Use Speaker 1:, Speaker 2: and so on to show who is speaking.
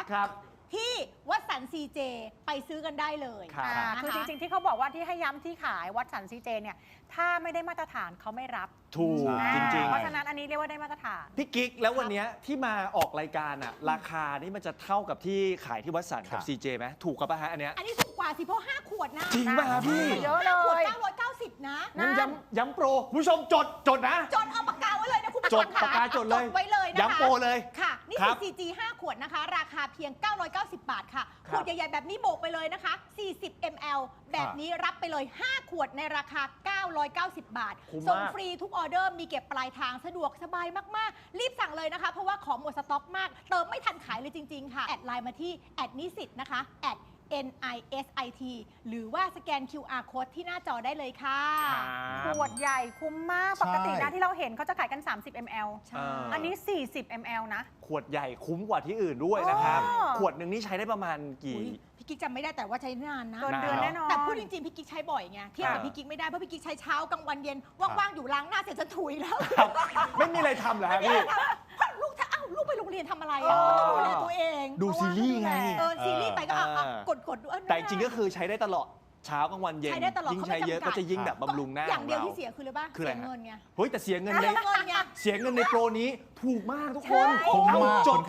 Speaker 1: ครับ
Speaker 2: ที่วัดสันซีเจไปซื้อกันได้เลย
Speaker 3: คือจริงๆที่เขาบอกว่าที่ให้ย้ำที่ขายวัดสันซีเจเนี่ยถ้าไม่ได้มาตรฐานเขาไม่รับ
Speaker 1: ถูกจริงๆ
Speaker 3: เพราะฉะนั้นอันนี้เรียกว่าได้มาตรฐาน
Speaker 1: พี่กิ๊กแล้ววันนี้ที่มาออกรายการอะราคานี่มันจะเท่ากับที่ขายที่วัดสันกับ CJ ไหมถูกกับป่ะฮะอันเนี้ย
Speaker 2: อันนี้ถูกกว่าสิเพราะ5 ขวดนะ
Speaker 1: จริงป่ะพี่
Speaker 3: เยอะเล
Speaker 2: ขวด
Speaker 3: ย
Speaker 2: 990นะ
Speaker 1: งั้นย้ำโปรคุณผู้ชมจดนะ
Speaker 2: จดเอาปากกาไว้เลยนะคุณผู้
Speaker 1: จ
Speaker 2: ช
Speaker 1: ด
Speaker 2: มค่ะ
Speaker 1: ปากกาจดเลย
Speaker 2: ไว้เลยนะคะ
Speaker 1: ย้ำโปรเลย
Speaker 2: ค่ะนี่
Speaker 1: ครั
Speaker 2: คื
Speaker 1: บ
Speaker 2: อ CG 5 ขวดนะคะ ราคาเพียง 990 บาทค่ะ
Speaker 1: ค
Speaker 2: ข
Speaker 1: รับ
Speaker 2: วดใหญ่ๆแบบนี้โบกไปเลยนะคะ 40 ml แบบนี้รับไปเลย 5 ขวดในราคา 990 บาท
Speaker 1: คุ้ม
Speaker 2: ส่ง
Speaker 1: มาก
Speaker 2: ฟรีทุกออเดอร์มีเก็บปลายทางสะดวกสบายมากๆ รีบสั่งเลยนะคะ เพราะว่าของหมดสต็อกมาก เติมไม่ทันขายเลยจริงๆค่ะ แอดไลน์มาที่แอดนิสิตนะคะแอดNISIT หรือว่าสแกน QR code ที่หน้าจอได้เลยค่ะ
Speaker 3: ขวดใหญ่คุ้มมาก ปกตินะที่เราเห็นเขาจะขายกัน 30 ml
Speaker 2: ใช่
Speaker 3: อันนี้ 40 ml นะ
Speaker 1: ขวดใหญ่คุ้มกว่าที่อื่นด้วยนะครับ
Speaker 3: อ๋อ
Speaker 1: ขวดหนึ่งนี่ใช้ได้ประมาณกี่
Speaker 2: อุ๊ยพี่กิ๊กจำไม่ได้แต่ว่าใช้นานนะ
Speaker 3: เกินเดือนแน่นอน
Speaker 2: แต่พูดจริงๆพี่กิ๊กใช้บ่อยไงเทียบกับพี่กิ๊กไม่ได้เพราะพี่กิ๊กใช้เช้ากลางวันเย็นว่างๆอยู่ล้างหน้าเสร็จจะถุยแล้ว
Speaker 1: ไม่มีอะไรทำเหรอฮะพี่
Speaker 2: เพราะลูกถ้าลูกไปโรงเรียนทำอะไรอ่ะก็ต้องดูแลตัวเอง
Speaker 1: ดูซีรีส์ไง
Speaker 2: ซีรีส์ไปก็กดดู
Speaker 1: แต่จริงก็คือใช้ได้ตลอดเช้ากลางวันเย็น
Speaker 2: ใช้ได้ตลอด
Speaker 1: ยิ่ง
Speaker 2: เขา
Speaker 1: ใช้
Speaker 2: ไม่
Speaker 1: เยอะ
Speaker 2: จำกั
Speaker 1: ก็
Speaker 2: ด
Speaker 1: จะยิ่งแบบบำรุงหน้า
Speaker 2: อย่างเดียว
Speaker 1: ข
Speaker 2: ที่เสียคืออะไรบ้าง
Speaker 1: คืออะไร
Speaker 2: เสีย
Speaker 1: ฮะ
Speaker 2: เงินไง
Speaker 1: เฮ้ยแต่เสียเงินใน
Speaker 2: เสียเงินไง
Speaker 1: เสียเงินในโปรนี้ถูกมากทุกคน
Speaker 2: ใช่
Speaker 1: เอาจด